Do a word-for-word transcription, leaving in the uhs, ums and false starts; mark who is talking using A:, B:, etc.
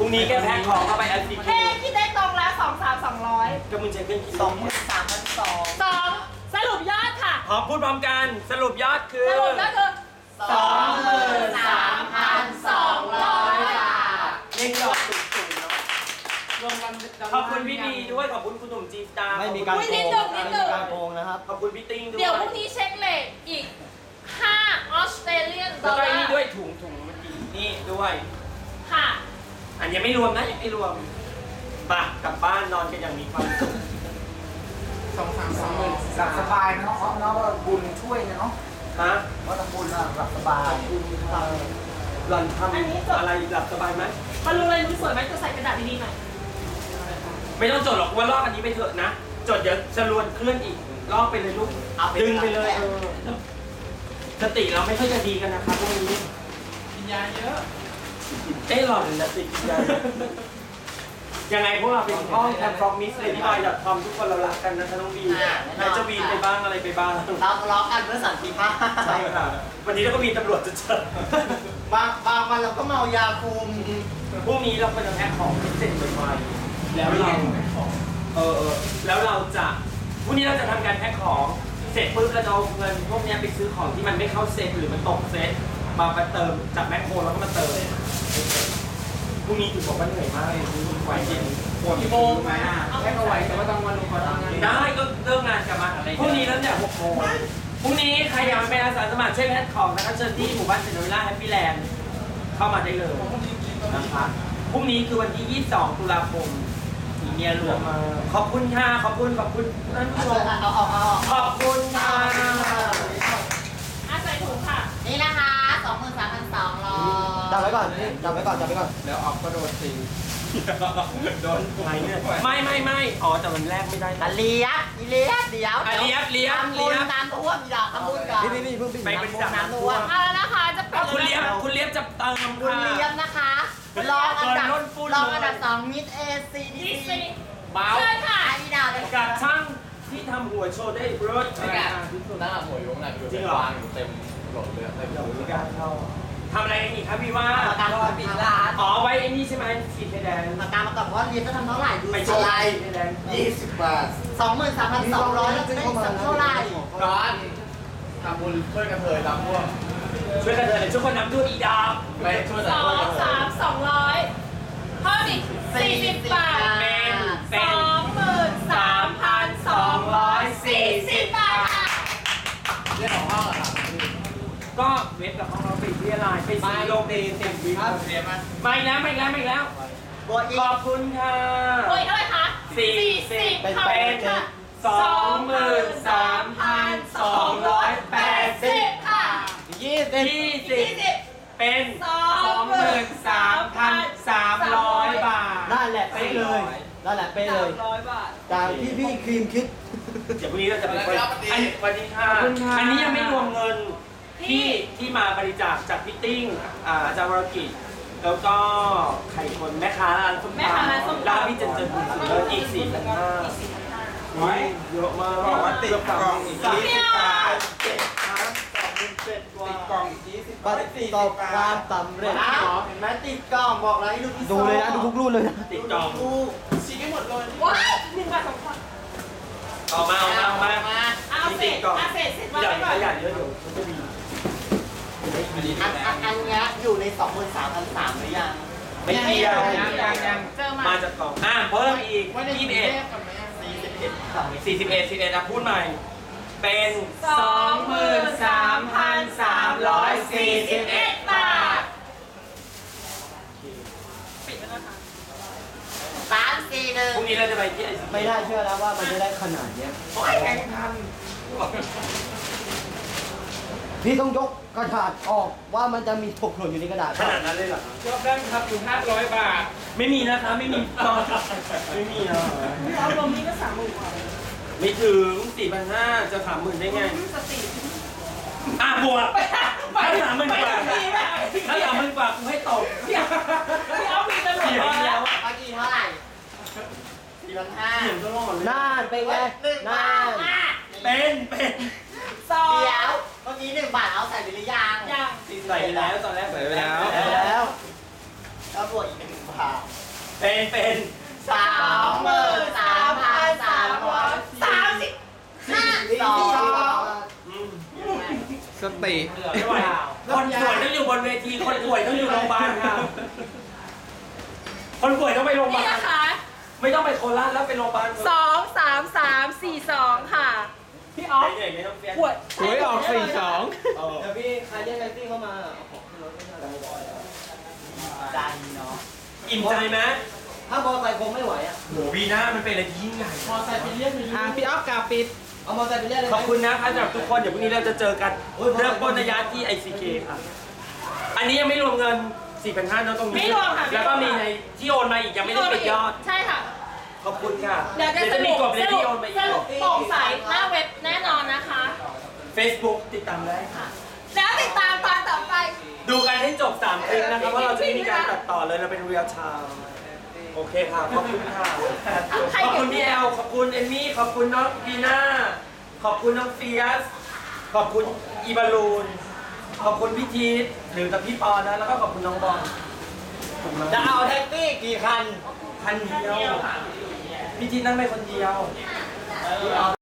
A: รุ่งนี้แกแพ็คของเข้าไปแอปพลิเค
B: เฮ้
A: ชัน
B: คิดได้ตรงแล้วสองสามสองร้อย
A: ก็มึงใช้เครื่องคิด
C: สองหมื่นสามพันสอง
B: สองสรุปยอดค่ะ
A: พร้อมพูดพร้อมกันสรุปยอดคือ
B: สรุปยอดคือ
C: สองหมื่นสามพันสองร้อยบาท
A: เล่นดอกสูงๆเนาะ
D: รวมกัน
A: ขอบคุณพี่ดีด้วยขอบคุณคุณหนุ่มจีตา
E: ไม่มีการ
B: อุ๊ย
E: โก
B: นิด
E: ง
B: หนึ่งนิดหนึ่ง
E: ไม่มีการโกงนะครับ
A: ขอบคุณพี่ติ้งด้วย
B: เดี๋ยวพรุ่งนี้เช็คเลทอีกห้าออสเตรเลียนด
A: แล้
B: อ
A: ว
B: ล
A: ก็
B: ลา
A: ไอ้นี่
B: ร์
A: ด้วยถุงถุงเมื่อกี้นี่ด้วย
B: ค่ะ
A: อันยังไม่รวมนะยังไม่รวมปะกลับบ้านนอนกันอย่างมีความสุข
D: สองสามสอง
C: หลับสบายนะเนาะเนาะบุญช่วยเนาะ
A: ฮะ
C: ว่าทำบุญอะหลับสบาย
A: หล่อนทำอะไรหลับสบายไหม
B: มารู้เลยรู้สวยไหมจะใส่กระดาษดีๆหน่อย
A: ไม่ต้องจดหรอกว่าลอกอันนี้ไปเถอะนะ จดเดี๋ยวจะรวนเคลื่อนอีกลอกไปเลยลูกดึงไปเลยเออสติเราไม่ค่อยจะดีกันนะครับพวกนี้
D: กินยาเยอะ
A: เอ้หล่อนนะติดกินยายังไงพวกเราเป็นห้องแคมฟรอมมิสเลยที่บอยดอทคอมทุกคนเรารักกันนะคะน้องบีแม้จะวีนไปบ้างอะไรไปบ้าง
C: เราทะเลาะกันเพื่อสันติภาพ
A: ใช่ค่ะวันนี้เราก็มีตำรวจจะเจอบ
C: างบางวันเราก็เมายาคุม
A: พรุ่งนี้เราก็จะแพ็คของให้เสร็จไวๆแล้วเราเออเออแล้วเราจะพรุ่งนี้เราจะทำการแพ็คของเสร็จปุ๊บเราจะเอาเงินพวกนี้ไปซื้อของที่มันไม่เข้าเซ็ตหรือมันตกเซ็ตมาไปเติมจากแมคโครแล้วก็มาเติมพรุ่งนี้ถือบอกว่าเหนื่อยมากเลยไหวจริง
D: ปวดกี่โมงไหมอ่ะแค่ก็ไหวแต่ว่าต้องวันลงก่อนทำงาน
A: ได้ก็เริ่มงานกลับมาพรุ่งนี้แล้วเนี่ยหกโมงพรุ่งนี้ใครอยากมาเป็นอาสาสมัครช่วยแพ็คของนะคะเชิญที่หมู่บ้านเซนต์วิลล่าแฮปปี้แลนด์เข้ามาได้เลยนะคะพรุ่งนี้คือวันที่ ยี่สิบสอง ตุลาคมอีเมียหลวงมาขอบคุณค่ะขอบคุณขอบคุณท่านผู้ชม
C: เอาเอาเอา
A: ขอบคุณค่ะ
B: อ่ะใส่ถุงค่ะ
C: นี่นะคะสองหมื่นสามพันสองร้อย
E: จับไว้ก่อนนี่จับไว้ก่อนจับไว้ก่อน
D: แล้วออกก็โดนตีโดน
A: ไหนเนี่ยไม่ไม่ไม่อ๋อแต่วันแรกไม่ได้
C: อ่ะเลี้ยบอีเลี้ยบเดี๋ยว
A: อ่ะเลี้ยบเลี้ยบ
C: ทำบุ
A: เลี้
C: ญ
A: ยบ
C: ตามท่วมอย่าทำบุญกัน
E: พี่พี่พี่เพิ่งพี่
A: ไปบริจาคน้ำท่วม
B: เอาแล้วนะคะจะปิด
A: คุณ
B: แว
A: เลี้ยบ
B: นะ
A: คุณเลี้ยบจะเติม
C: คุณ
A: ค่ะ
C: เลี้ยบนะคะรองอันดับ
A: โดนฝุ่น
C: รองอันดับสองมิดเอซี
B: ดี
C: ดี
B: ซี
C: ซี
A: เบา
B: เชิญค่ะ
C: ไอ้พี่ดาวเลย
A: กับช่างที่ทำหัวโชว์ได้รถ
F: ไม่กล้าหน้าหมวยอยู่ข้างในอยู่เป็นวางอยู่เต็มหลดเลยเต็ม
A: เดี๋ยวมีการเข้าทำอะไรกันอีกครับพี่ว่า
C: ประกันว่าปิดร้าน
A: อ๋อไว้ไอ้นี่ใช่ไหมสีแดง
C: ประกันมาก่อนว่าเรียนจะทำเท่าไหร่ดู
A: ไม่
C: สิ
A: ใช่สีแดง
F: ยี่สิบบาท
C: สองหมื่นสามพันสองร้อยแล้วจะได้สักเท่าไหร่
F: ร้อนทำบุญช่วยกันเถยรับพวก
A: ช่วยกันเลยช่วยคนน้ำด้วยอีดาว
F: ไปช่วย
B: ส
F: แต่
B: อ
F: ช่วย
B: ง
F: กันเถ
B: สามสองร้อยเพิ่มอีกสี่สิบบาท
A: เป็นเป็
B: ส
A: น
B: องหมื่นสามพันสองร้อยสี่สิบบาทค่ะ
F: เรื่องของห้องอะครับ
A: ก็เว็บกับของเราปิดเรียลายไปสีโลกเดย์เต็มวิว
F: เรียนมา
A: มาอีกแล้วมาอีกแล้วมาอีกแล้ว
C: บวกอี
A: ข
C: ก
A: อบคุณค่ะ
B: โอ้ยเท่าไหร่คะ
A: สี่สิบ
B: ค่ะ
A: เป็นสองหมื่นสามพันสองร้อยแปดสิบ
B: ค่ะ
E: ยี่สิบ
A: ยี่สิ
B: ยี่
A: บ
B: สิบ
A: เป็น
B: ส
A: ส
B: อ
A: อง ง
B: ห
A: ห
B: มื่
A: มื่
B: น
A: น
B: สา
A: สาม ม
B: พั
A: พั
B: น
A: นสามร้อยบาท
E: นั่นแหละเป๊ะเลยนั่นแหละเป๊ะเลย
B: ร้อยบาท
E: จากที่พี่ครีมคิด
A: เดี๋ยวพรุ่งนี้เราจะเป็นคนอันสวัสดีค่ะ อันนี้ยังไม่รวมเงินที่ที่มาบริจาคจากพี่ติ้งอ่าอาจารย์วรกิจ แล้วก็ไข่คนแม่ค้าร้านส้ม
B: แม่ค้าร้านส้มตำ
A: ร้านพี่เจนเจนบุญเลิศอีกสี่พันห้าเยอะมาก
D: บอกว่าติดกล่องอีก
A: สาม
D: ยี่
A: สิ
D: สิ
A: บ
D: บบา
A: บา
D: ท
A: ทเจ็ดพันสองหมื่นเจ็ดกว่า
D: ติดกล่องอีกยี่สิบ
E: ประ
D: สี่
E: ส
D: สิ
E: บความสำเร็จ
C: อ้าวเห็นไหมติดกล้องบอกแล้วให้ดูที่
E: ดูเลยนะดูทุกรุ่นเลยนะ
A: ติดจอง
C: ดู
D: ชี้ให้หมดเลย
B: ว้ายหนึ่งบาทสองบาท
A: เอามาเอามาเอามา
C: มา
B: เอาเสร็
A: ติ
B: จ
A: ดกล่อง
B: เอาเสร็จเสร็จ
A: ใหญ่
B: ไว้ก่อน
A: ขยันเยอะอยู่มันจะดี
D: อันนี้
C: อันอันอันเนี้ยอยู่ในสองหมื่นสามพันสามหรือยัง
A: ไม่เกี่ยว
D: ยังยังยัง
B: เจอมา
A: มาจากกล่องอ่าเพิ่มอีก
D: ไม่ได้
A: ยี่สิบเอ็ด
D: กับไหมอะ
C: สี่สิบเอ็ดค่ะ
A: สี่สิบเอ็ดสิบเอ็ดอ่ะพูดใหม่ เป็น
B: สองหมื่นสามพันสามร้อยสี่สิบเอ็ดบาทปิดแล้วนะคะ
C: สามสี่หนึ่ง
A: พรุ่งนี้เราจะไปที่ไอซี
E: ไม่น่าเชื่อแล้วว่ามันจะได้ขนาดเนี้ย
A: โอ้ยแข่งทัน
E: พี่ต้องยกกระดาษออกว่ามันจะมีตกหล่นอยู่ในกระดาษ
A: ขนาดนั้นเลยเหรอ
D: รอบแรกครับอยู่ห้าร้อยบาท
A: ไม่มีนะคะไม่มีตอนไม่มีอ่ะ
B: พี่เอาลมนี้ก็สามหมื่นกว่า
A: ไม่ถึงสี่พันห้าจะสามหมื่นได้ไง
B: สติ
A: อ่ะบวก
B: ไป
A: ถ้าสามหมื่นกว่า
B: ไปดีไหม
A: ถ้าสามหมื่นกว่ากูให้ตก
B: พี่เอามีไปหมด
A: เสียง
B: แล้
A: แล้ว ว
C: เมื่อกี้เท่าไหร่สี่พันห้า
A: เสียงตลอดเลย
E: น่านเป็นไง
C: หนึ่ง
E: น่า
C: บาท
E: น
C: อ่ะ
A: เป็นเป็น
B: สอง
C: เดี๋ยวเมื่อกี้หนึ่งบาทเอาใส่ไปหรือยัง
B: อย่าง
A: ใส่ไปแล้วตอนแรกใส่ไปแล้ว
E: แล้ว
C: แล้วบวกอีกหนึ่งบ
E: ค่ะ
A: เป็นเป็น
C: สามหมื่นสามพันสามร้อยสามสิบห้าสอง
A: อืม
D: สติ
A: ไม่ไหวคนป่วยต้องอยู่บนเวที คนป่วยต้องอยู่โรงพยาบาลค่ะ คนป่วยต้องไปโรงพยาบา
B: นี่
A: ล
B: นะคะ
A: ไม่ต้องไปโคราชแล้วไปโรงพยาบาล
B: สองสามสามสี่สองค่ะ พี่ออฟ
A: เหนื่อยไม่ต้องเฟียส
B: ปวด
D: หวยออกสี่สอง
A: เออ
E: เดี๋ยวพี่ใครแย่งแท็กซี่เข้ามาเอาของขึ้นรถไม่ได้
C: ดันเนาะ
A: อิ่มใจไหม
E: ถ้ามอไซค์คงไม่ไหวอ่ะ
A: โหวีน่ามันเป็นอะไรที่ยิ่งใหญ่
C: พอใส่ไปเรียกหนึ่ง
D: อ่ะพี่ออฟกาปิด
E: เอามอไซค์ไปเรียกเลยไห
A: ข
E: ม
A: อบคุณนะครับสำหรับทุกคนเดี๋ยวพรุ่งนี้เราจะเจอกันเรื่องปล้นระยะที่ ไอ ซี เค ค่ะ อันนี้ยังไม่รวมเงิน สี่พันห้าร้อย นะตรงนี้
B: ไม่รวมค่ะ
A: แล้วก็มีในที่โอนมาอีกยังไม่ได้ปิดยอด
B: ใช่ค่ะ
A: ขอบคุณค่ะ
B: เดี๋ยวจะส
A: จะมี
B: รุป
A: กฎเลย
B: ส
A: ที่
B: รุ
A: โอ
B: ป
A: นมาอี
B: ส
A: ก
B: รุปโปร่งใสหน้าเว็บแน่นอนนะคะ
A: Facebook ติดตามได้ค่ะ
B: แล้วติดตามตอนต่อไป
A: ดูกันให้จบสามคลิปนะครับว่าเราจะไม่มีการตัดต่อเลยเราเป็นเรียลไทม์โอเคค่ะ ขอบคุณค่ะ
B: ใคร
A: ขอบ
B: เก็บ
A: คุณพี่แอล ขอบคุณเอมมี่ ขอบคุณน้องบีน่า ขอบคุณน้องเฟียส ขอบคุณอีบาลูน ขอบคุณพี่ทีทหรือกับพี่ปอนะ แล้วก็ขอบคุณน้องบอล
E: จะเอาแท็กซี่กี่คัน
A: คันเดียว พี่ทีทนั่งไปคนเดียว